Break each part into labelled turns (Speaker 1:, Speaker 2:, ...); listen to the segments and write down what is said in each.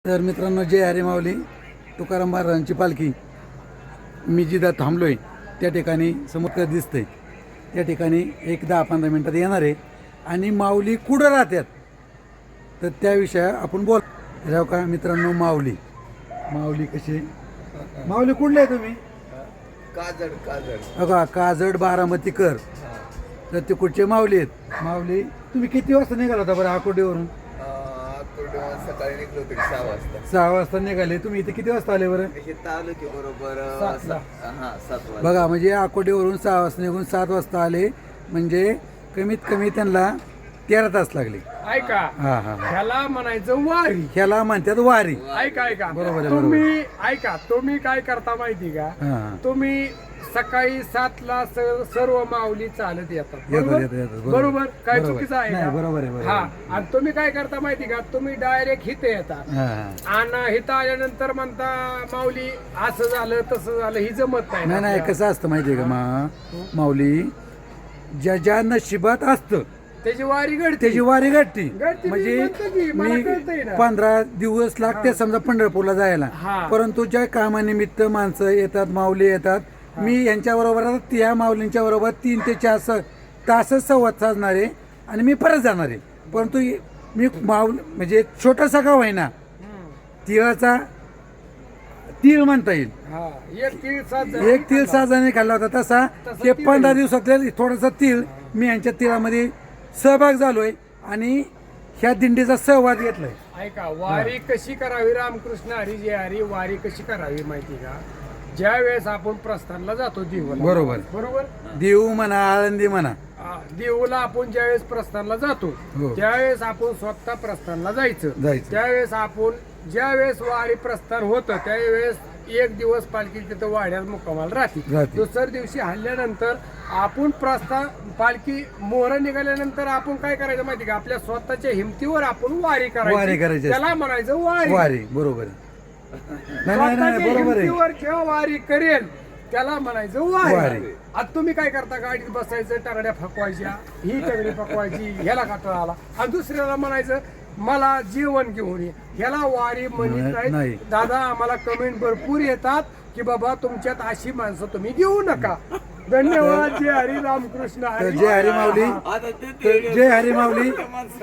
Speaker 1: तर मित्रांनो, जय हरी माऊली तुकाराम महाराजांची पालखी मी जिथं थांबलोय त्या ठिकाणी समोर दिसतंय त्या ठिकाणी एक 10-15 मिनिटात येणार आहे आणि माऊली कुठं राहतात तर त्या विषयावर आपण बोल राव का मित्रांनो. माऊली कशी माऊली कुठले आहे तुम्ही? बघा काजड बारामतीकर तर ते कुठचे माऊली आहेत. माऊली तुम्ही किती वाजता निघाला होता बरं आकुर्डीवरून?
Speaker 2: सकाळी निघलो होतो 6 वाजता.
Speaker 1: 6 वाजता निघाले. तुम्ही इथे किती वाजता आले बरं?
Speaker 2: इथं आलो की बरोबर 7 वाजता.
Speaker 1: बघा म्हणजे आकोडीवरून 6 वाजता निघून 7 वाजता आले म्हणजे कमीत कमी त्यांना 13 तास लागले.
Speaker 3: ऐका
Speaker 1: हा हा
Speaker 3: ह्याला म्हणायचं वारी.
Speaker 1: ह्याला म्हणतात वारी.
Speaker 3: ऐका
Speaker 1: बरोबर आहे,
Speaker 3: तुम्ही ऐका तुम्ही काय करता माहिती का?
Speaker 1: हा.
Speaker 3: तुम्ही सकाळी 7ला सर्व माऊली चालत येतात
Speaker 1: येतात.
Speaker 3: बरोबर काय
Speaker 1: बरोबर.
Speaker 3: चुकीचं आहे
Speaker 1: नाही,
Speaker 3: का?
Speaker 1: बरोबर आहे, बरोबर
Speaker 3: हा
Speaker 1: आहे.
Speaker 3: आणि तुम्ही काय करता माहिती का? तुम्ही डायरेक्ट इथे येतात
Speaker 1: हा.
Speaker 3: आणि इथं आल्यानंतर म्हणता माऊली असं झालं तसं झालं ही जमत नाही ना
Speaker 1: नाही
Speaker 3: आपल्याला.
Speaker 1: कसं असतं माहितीये का माऊली ज्या नशिबात असतं
Speaker 3: त्याची वारी घडते.
Speaker 1: त्याची वारी घडती.
Speaker 3: घडती, मी
Speaker 1: म्हणजे
Speaker 3: म्हणतो की मला
Speaker 1: मी
Speaker 3: कळतंय ना.
Speaker 1: 15 दिवस लागते समजा पंढरपूरला जायला.
Speaker 3: हा.
Speaker 1: परंतु ज्या कामानिमित्त माणसं येतात माऊली येतात मी यांच्या बरोबर त्या माऊलींच्या बरोबर 3 ते 4 तासच संवाद साधणार आहे आणि मी परत जाणार आहे. परंतु मी माऊल म्हणजे छोटासा गाव आहे ना तिळाचा तीळ म्हणता येईल.
Speaker 3: हा, एक तीळ 7 जण.
Speaker 1: एक तीळ 6 जणांनी खाल्ला होता तसा ते 15 दिवसातले थोडासा तीळ मी यांच्या तिळामध्ये सहभाग झालोय आणि ह्या दिंडीचा सहभाग घेतलाय.
Speaker 3: ऐका वारी कशी करावी? रामकृष्ण हरी जय हरी. वारी कशी करावी माहिती का? ज्या वेळेस आपण प्रस्थानला जातो देऊला बरोबर
Speaker 1: देऊ म्हणा आळंदी म्हणा
Speaker 3: देऊला आपण ज्यावेळेस प्रस्थानला जातो
Speaker 1: हो.
Speaker 3: त्यावेळेस आपण स्वतः प्रस्थानला जायचं. त्यावेळेस आपण ज्यावेळेस वारी प्रस्थान होतं त्यावेळेस एक दिवस पालखी तिथं वाड्यात मुक्कामाला राहते. दुसऱ्या दिवशी हल्ल्यानंतर आपण प्रस्थान पालखी मोहर निघाल्यानंतर आपण काय करायचं माहिती का? आपल्या स्वतःच्या हिमतीवर आपण वारी करायची. त्याला म्हणायचं वारी.
Speaker 1: बरोबर आहे.
Speaker 3: स्वतःच्या हिमतीवर जेव्हा वारी करेल त्याला म्हणायचं वारी. आता तुम्ही काय करता? गाडीत बसायचं, टगड्या फकवायच्या, ही टगडी फकवायची, ह्याला काटा आला आणि दुसऱ्याला म्हणायचं मला जेवण घेऊन ये. ह्याला वारी म्हणत नाही. दादा आम्हाला कमेंट भरपूर येतात की बाबा तुमच्यात अशी माणसं तुम्ही घेऊ नका. धन्यवाद. जय हरी रामकृष्ण हरी.
Speaker 1: जय हरी माऊली. जय हरी माऊली.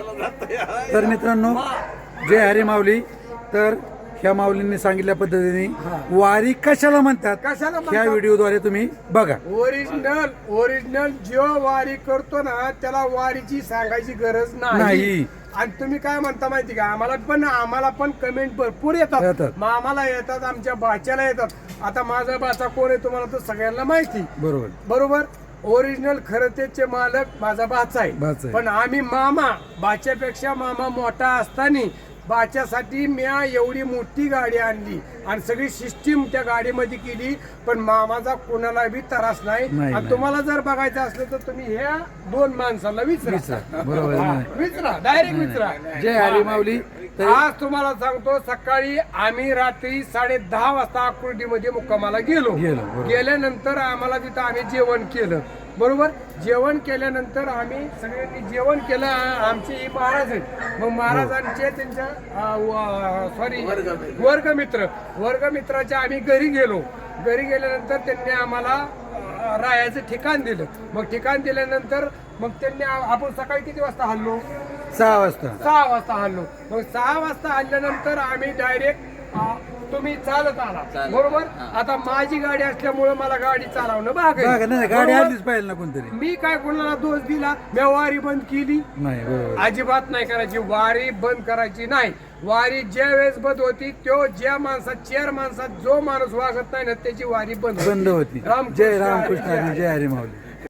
Speaker 1: तर मित्रांनो जय हरी माऊली. तर ह्या माऊलींनी सांगितल्या पद्धतीने वारी कशाला म्हणतात ह्या व्हिडिओद्वारे तुम्ही बघा.
Speaker 3: ओरिजिनल जो वारी करतो ना त्याला वारीची सांगायची गरज नाही. आणि तुम्ही काय म्हणता माहिती का? आम्हाला पण कमेंट भरपूर येतात. मामाला येतात, आमच्या बाच्याला येतात. आता माझा बाचा कोण आहे तुम्हाला तर सगळ्यांना माहिती. बरोबर ओरिजिनल खरतेचे मालक माझा बाचा आहे. पण आम्ही मामा बाच्यापेक्षा मामा मोठा असताना बाच्यासाठी मी एवढी मोठी गाडी आणली आणि सगळी सिस्टीम त्या गाडीमध्ये केली. पण मामाचा कोणाला बी त्रास नाही. आणि तुम्हाला जर बघायचं असलं तर तुम्ही ह्या 2 माणसाला विचारा. डायरेक्ट विचारा.
Speaker 1: जय हरी माऊली.
Speaker 3: आज तुम्हाला सांगतो सकाळी आम्ही रात्री 10:30 वाजता आकुर्डीमध्ये मुक्कामाला गेलो. गेल्यानंतर आम्हाला तिथं आम्ही जेवण केलं. बरोबर जेवण केल्यानंतर आम्ही सगळ्यांनी जेवण केलं. आमचे महाराज आहेत. मग महाराजांचे त्यांच्या वर्गमित्राच्या आम्ही घरी गेलो. घरी गेल्यानंतर त्यांनी आम्हाला राहायचं ठिकाण दिलं. मग ठिकाण दिल्यानंतर मग त्यांनी आपण सकाळी किती वाजता हल्लो?
Speaker 1: 6 वाजता.
Speaker 3: 6 वाजता हल्लो. मग 6 वाजता हल्ल्यानंतर आम्ही डायरेक्ट तुम्ही चालत आला. बरोबर आता माझी गाडी असल्यामुळे मला गाडी चालवणं भाग आहे.
Speaker 1: गाडी आलीच पाहिजे ना कोणतरी.
Speaker 3: मी काय कोणाला दोष दिला? मी वारी बंद केली
Speaker 1: नाही.
Speaker 3: अजिबात नाही करायची. वारी बंद करायची नाही. वारी ज्या वेळेस बंद होती तो ज्या माणसात 4 माणसात जो माणूस वागत नाही ना त्याची वारी बंद
Speaker 1: होती. जय रामकृष्ण हरी. जय हरी माऊली.